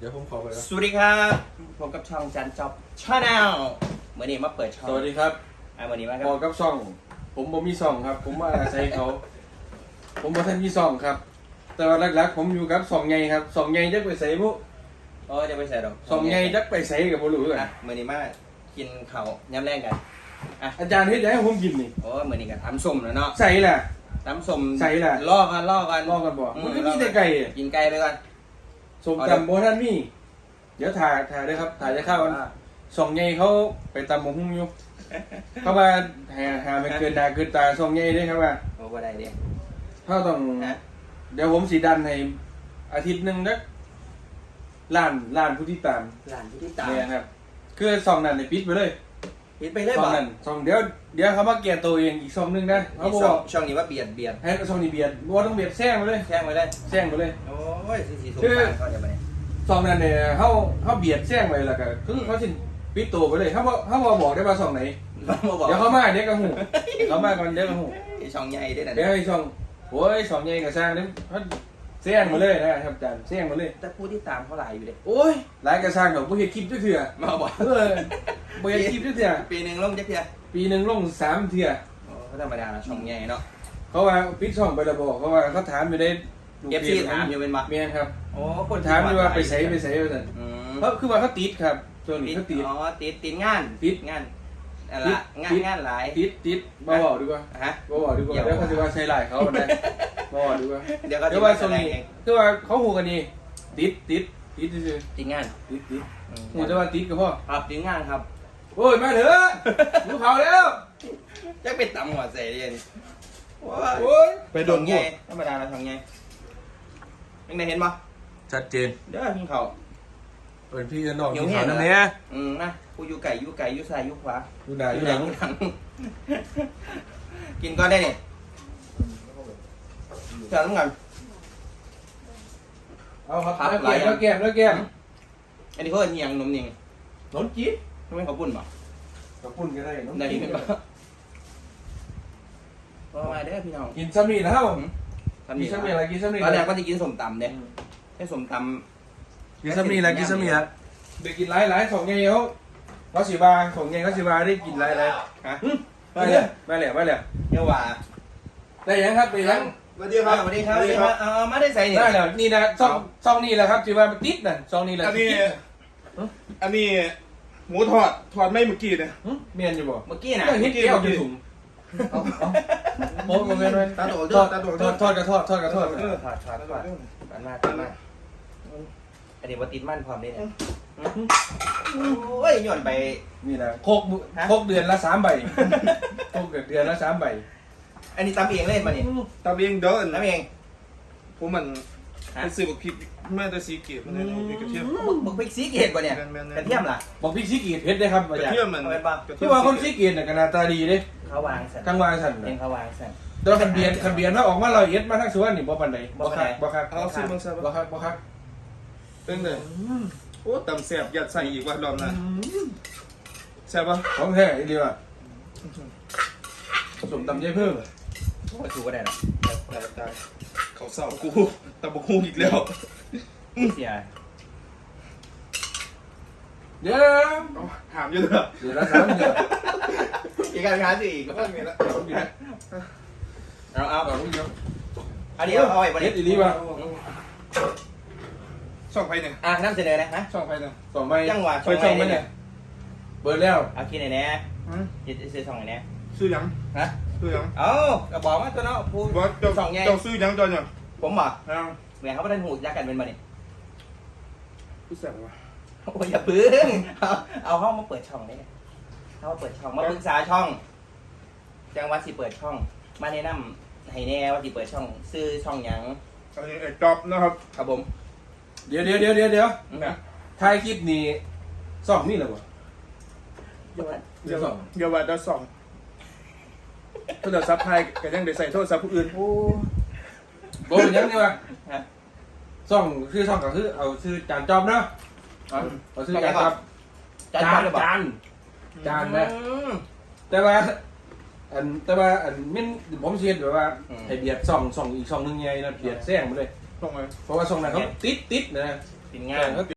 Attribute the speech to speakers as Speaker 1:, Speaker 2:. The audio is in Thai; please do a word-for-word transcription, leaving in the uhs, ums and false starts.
Speaker 1: ดี๋ยวผมขอไปแล้ว
Speaker 2: สวัสดีครับผมกับช่องจันจ็อบชาแนลเมื่อนี้มาเปิดช่อง
Speaker 1: สวัสดีครับ
Speaker 2: อ่าเมื่อนี้มาค
Speaker 1: พอ
Speaker 2: รับ
Speaker 1: กับซ่อง ผมบ่มีซ่องครับ ผมมาอาศัยเขา ผมบ่ทันมีซ่องครับ แต่ว่าหลักๆผมอยู่กับซ่องใหญ่ครับซ่องใหญ่จักไปใส่บุ
Speaker 2: โอ้จะไปใส่ดอก
Speaker 1: ซ่องใหญ่จักไปใส่กับบ่รู้กัน
Speaker 2: อ่ะเมื่อนี้มากินข้าวย้ำแรงกันอ่ะ
Speaker 1: อาจารย์เฮ็ดหยังให้ผมกินนี่
Speaker 2: โอ้เมื่อนี้ก็ทำส้มแล้วเนาะ
Speaker 1: ใส่แหละ
Speaker 2: ทำส้ม
Speaker 1: ใส่ล่ะ
Speaker 2: ล่อกันล่อกัน
Speaker 1: ลองกันบ่
Speaker 2: อื
Speaker 1: มันก็มีแต่ไก่อะ
Speaker 2: กินไก่ไปก่อน
Speaker 1: ส้มตำบ่ทันมีเดี๋ยวถ่ายถ่ายเด้อครับถ่ายจะเข้ากัน
Speaker 2: อ่า
Speaker 1: ซ่องใหญ่เขาไปตำบักหุ่งอยู่เขาว่าหาหาไม่เกินหน้าเกินตาซ่องใหญ่เด้อครับว่า
Speaker 2: โอ้บ่ได้เด้
Speaker 1: เฮาต้อง
Speaker 2: ฮะ
Speaker 1: เดี๋ยวผมสิดันให้อาทิตย์หนึงนะล้านล้านผู้ที่ตาม
Speaker 2: หลานผู้ที่ตาม
Speaker 1: เนี่ยครับคือซองนั้นเนี่ยปิดไปเลย
Speaker 2: ปิดไปเลย
Speaker 1: ซอง
Speaker 2: บ่
Speaker 1: นั้นซองเดี๋ยวเดี๋ยวเขามาเกียร์ตัวเองอีกซองหนึงนะเขา
Speaker 2: อีก
Speaker 1: บ
Speaker 2: ช่
Speaker 1: อ
Speaker 2: อง
Speaker 1: ก
Speaker 2: ช่องนี้ว่าเบียดเบียด
Speaker 1: ให้ซองนี้เบียดบ่ต้องเบียดแซงไปเลย
Speaker 2: แช่งไว้เลย
Speaker 1: แซงไปเลย
Speaker 2: โอ้ยสีสีสง
Speaker 1: คือ
Speaker 2: สารเขาเดี๋ยวไปเนี่ย
Speaker 1: ซองนั้นเนี่ยเขาเขาเบียดแซงไปแล้วก็คือเขาสิปิดตัวไปเลยเขาบอกเขาบอกบอกได้ว่าซองไหน
Speaker 2: มาบอก
Speaker 1: เดี๋ยวเขามาเดี๋ยวก็หูเขามาก่อนเดี๋ยวก็หู
Speaker 2: ไอ้ช่องใหญ่ด้วยนะ
Speaker 1: เดี๋ยวให้ซองโอ้ยซองใหญ่กับสร้างเนี่ยเขาแซงมาเลยนะครับอาจารย์แซงมาเลย
Speaker 2: แต่ผู้ที่ตามเขาหลายอยู่เด้
Speaker 1: โอ้ยหลายกระสร้างดอกบ่เฮ็ดคลิปจักเทื่อ
Speaker 2: มาบอก
Speaker 1: เออบ่เฮ็ดคลิปจักเทื่อ
Speaker 2: ปีหนึ่งลงจักเทีย
Speaker 1: ปีหนึงลงสามเทื่อ
Speaker 2: โอ้ก็ธรรมดาละช่องใหญ่เนาะ
Speaker 1: เขาว่าปิดช่องไปแล้วบอกเขาว่าเขาถามอยู่ได้
Speaker 2: เอฟซีถามอยู่เป็นมา
Speaker 1: เมียครับ
Speaker 2: โอ้คน
Speaker 1: ถามอยู่ว่าไปใส่ไปใส่ไปสั่น
Speaker 2: อืม
Speaker 1: เพราะคือว่าเขาติดครับช่วง
Speaker 2: ติ
Speaker 1: นี้
Speaker 2: ด
Speaker 1: เขาติด
Speaker 2: อ๋อติดติดงาน
Speaker 1: ติด
Speaker 2: งานอะไรงานงานหลาย
Speaker 1: ติดติดบ่บอกดีกว่า
Speaker 2: ฮะ
Speaker 1: บ่บอกดีกว่า
Speaker 2: เดี๋ยว
Speaker 1: เดี๋ยวเขาจะว่าใช้หลายเขาได้บ่บอกดีกว่า
Speaker 2: เดี๋ยวก็
Speaker 1: เดี๋ยว
Speaker 2: จะ
Speaker 1: ว่า
Speaker 2: มา
Speaker 1: ช่วง
Speaker 2: แสดง
Speaker 1: นี้
Speaker 2: เอง
Speaker 1: คือว่าเขาหูกันนี่ติดติดติดซื่อ
Speaker 2: ติดงาน
Speaker 1: ๆติดติด
Speaker 2: อืม
Speaker 1: หูแต่ว่าติดก็พอ
Speaker 2: ครับติดงานครับ
Speaker 1: โอ้ยมาเถอะหิวข้าวแล้ว
Speaker 2: จะไปตำหัวใส่เรียนโอ้ย
Speaker 1: โอ้ยไปโดน
Speaker 2: ช่องใหญ่ธรรมดาละช่องใหญ่ยังไงเห็นปะ
Speaker 1: ชัดเจน
Speaker 2: เดี๋ยวกินข้าว
Speaker 1: เปิดพี่น้อง
Speaker 2: หิ
Speaker 1: กิ
Speaker 2: วน แห้
Speaker 1: ข้าว
Speaker 2: ง
Speaker 1: น้ำเนี้ย
Speaker 2: อืมนะกูอยู่ไก่อยู่ไก่อยู่ซ้ายอยู่ขวา
Speaker 1: ดูหน้าดูหลัง
Speaker 2: หลังกินก่อนได้เนี่ยเชิญน้ำกัน
Speaker 1: เอาครับ
Speaker 2: ครับ
Speaker 1: แล้ว
Speaker 2: หลาย
Speaker 1: แก้มแล้วแก้มแล้วแก้ม
Speaker 2: อันนี้เขาเป็นยังนมยัง
Speaker 1: นนจี๊ด
Speaker 2: ทำไมเขาปุ่นบ่
Speaker 1: กับปุ่นก็ได้นน
Speaker 2: ได้
Speaker 1: จี๊
Speaker 2: ยิ
Speaker 1: ด
Speaker 2: นป่ะก็มาเด้อพี่น้อง
Speaker 1: กินซ้ำนี่แล้ว
Speaker 2: ทำ
Speaker 1: กิ
Speaker 2: ดี
Speaker 1: นซ้ำนี่อะไรกินซ้ำนี่
Speaker 2: ตอนแรกก็จะกินสมตำเนี่ยให้สมต
Speaker 1: กินซ้ำนี่อะไรกินซ้ำนี่ละเด็กกินหลายหลายสองไงเขาเขาสิบาสองไงเขาสิบาได้กินหลายหลาย
Speaker 2: ำฮะ
Speaker 1: มาเลยมาเลยมาเลย
Speaker 2: เดี๋ยวว่า
Speaker 1: ได้ยังครับได้ยัง
Speaker 2: สวัสดีครับสวัสดีครับสวัสดีครับเอามาได้ใส่เนี่ย
Speaker 1: ได้แล้วนี่นะซองซองนี่แหละครับสิบามันติดน่ะซองนี่แหละ
Speaker 3: อันนี้
Speaker 1: ติด
Speaker 3: อันนี้หมูทอด ทอดไม่เมื่อกี้เนี่ย
Speaker 1: หึเมียนอยู่บ่
Speaker 2: เมื่อกี้น่ะ
Speaker 1: เรื่องฮิตแก้วจะถุงเอาเอาโอ้โหเมียนเลย
Speaker 3: ตาโต
Speaker 1: ทอด
Speaker 3: ตาโต
Speaker 1: ทอดทอดกระทอดทอดกระทอด
Speaker 3: เออ
Speaker 2: ถอดถอดถอดกันมากกันมากอันนี้ว่าติดมั่นพร้อมนี่เนี่ยโอ้ยย้อนไป
Speaker 1: นี่นะโคกโคกเดือนละสามใบโคกเดือนละสามใบ
Speaker 2: อันนี้ตำเองเล่นมาเนี่ย
Speaker 3: ตาเบียงเดิน
Speaker 2: ตำเอง
Speaker 3: ผมมันเป็นสื่อบอกพริกแม่แต่สีเกียบมันเนี่ยพริกกระเทียม
Speaker 2: บึกบึกพริกซีเกตกว่าเนี่ย
Speaker 3: แม่นๆๆ
Speaker 2: กระเทียมล่ะ
Speaker 1: บอกพี่ซีเกียรติเพชรได้ครับ
Speaker 3: ก
Speaker 1: อา
Speaker 3: ระ
Speaker 1: จาร
Speaker 3: เทียม
Speaker 1: ย์
Speaker 3: มัน
Speaker 2: เอาไปปะ
Speaker 1: คือว่าคนซีเกียรติน่ะก็หน้าตาดีเด้
Speaker 2: เขาวางสั่น
Speaker 1: ทั้งวางสั่น
Speaker 2: เอง
Speaker 1: น่ะ
Speaker 2: เขาวางสั่น
Speaker 1: แต่ว่าคันเบียนคันเบียนถ้าออกมาเราเอ็ดมาทั้งสวนนี่บ่ปานใด
Speaker 2: บ่
Speaker 1: บ่
Speaker 2: ปาน
Speaker 1: คั
Speaker 2: ใด
Speaker 1: กบ่คัก
Speaker 3: เอาซื้อมังสวิ
Speaker 1: บ่
Speaker 3: รัติ
Speaker 1: คักบ่คัก
Speaker 3: เป็นเลยโอ้ตำแซ่บยัดใส่อีกว่ารอบหน้าแซ่บปะ
Speaker 1: ของแท้อีเดียวอ่ะสมตำใจเพิ่ม
Speaker 2: โอ้ยถูกก็ได้หรอ
Speaker 3: ได้ได้เขาเศร้ากูตำบกฮูอีกแล้ว
Speaker 2: เสีย
Speaker 1: เดี๋ยว
Speaker 3: เอาถามเยอะเลย
Speaker 1: เดี๋ยวละสามเดือน
Speaker 2: อีกการค้าสิอีก
Speaker 3: แล้วก็มีละ
Speaker 2: เอาเอา
Speaker 1: เอาลูกเดียว
Speaker 2: อันนี้เอาเอาไว้บน
Speaker 1: เฮ็
Speaker 2: นี้
Speaker 1: ดอีหลีป่ะ
Speaker 3: ช่องไฟเนี่ย
Speaker 2: อ่ะน้ำเสนอนะฮะ
Speaker 3: ช่องไฟเนี่ย
Speaker 1: สองใบ
Speaker 2: จังหวะ
Speaker 1: ไปช่องไหมเนี่ยเปิดแล้ว
Speaker 2: เอาคิดไหนแน่
Speaker 3: ฮะ
Speaker 2: จะซื้อสองไหนแน่
Speaker 3: ซื้อยัง
Speaker 2: ฮะ
Speaker 3: ซื้อยัง
Speaker 2: เอากระบอกมาตัวเนาะพูด
Speaker 3: ว่าเจ้า
Speaker 2: สองไง
Speaker 3: เจ้าซื้อยังจอนยัง
Speaker 2: ผมบอก
Speaker 3: ยัง
Speaker 2: เหมือนเขาไม่ได้หูยักกันเป็นมาเนี่ย
Speaker 3: ผู้แซ่บวะ
Speaker 2: โอ้ยอย่าพึ่งเอาเอาห้องมาเปิดช่องได้เลยเขามาเปิดช่องมาปรึกษาช่องจังหวัดสิเปิดช่อง มาแนะนำให้แน่ว่าสิเปิดช่อง ซื้อช่องหยัง
Speaker 3: อันนี้ไอ้จ๊อบนะครับ
Speaker 2: ครับผม
Speaker 1: เดี๋ยวเดี๋ยวเดี๋ยวเดี๋ยวเดี๋ยว
Speaker 3: เนี่ย
Speaker 1: ถ่ายคลิปนี้สองนี่เหรอวะ
Speaker 3: เดี๋ยวเดี๋ยวว่าจะส่องโทรศัพท์ไทยก็ยังได้ใส่โทรศัพท์ผู้อื่น
Speaker 2: โอ้
Speaker 1: โบเป็นยังไงวะ
Speaker 2: ฮะ
Speaker 1: ช่องคือช่องก็คือเอาชื่อจานจอมเนาะเอาชื่อจานจอม
Speaker 2: จานจานหรือเปล่า
Speaker 1: จานจานนะ
Speaker 2: อืม
Speaker 1: แต่ว่าอันแต่ว่าอันมินผมเสียดแบบว่า
Speaker 2: อืม
Speaker 1: ให้เบียดช่องช่องอีกช่องหนึงไงนะเบียดแซงไปเลย
Speaker 3: ส่งไป
Speaker 1: เพราะว่าช่องนั้นเขาติดติดนะ
Speaker 2: เป็นงาน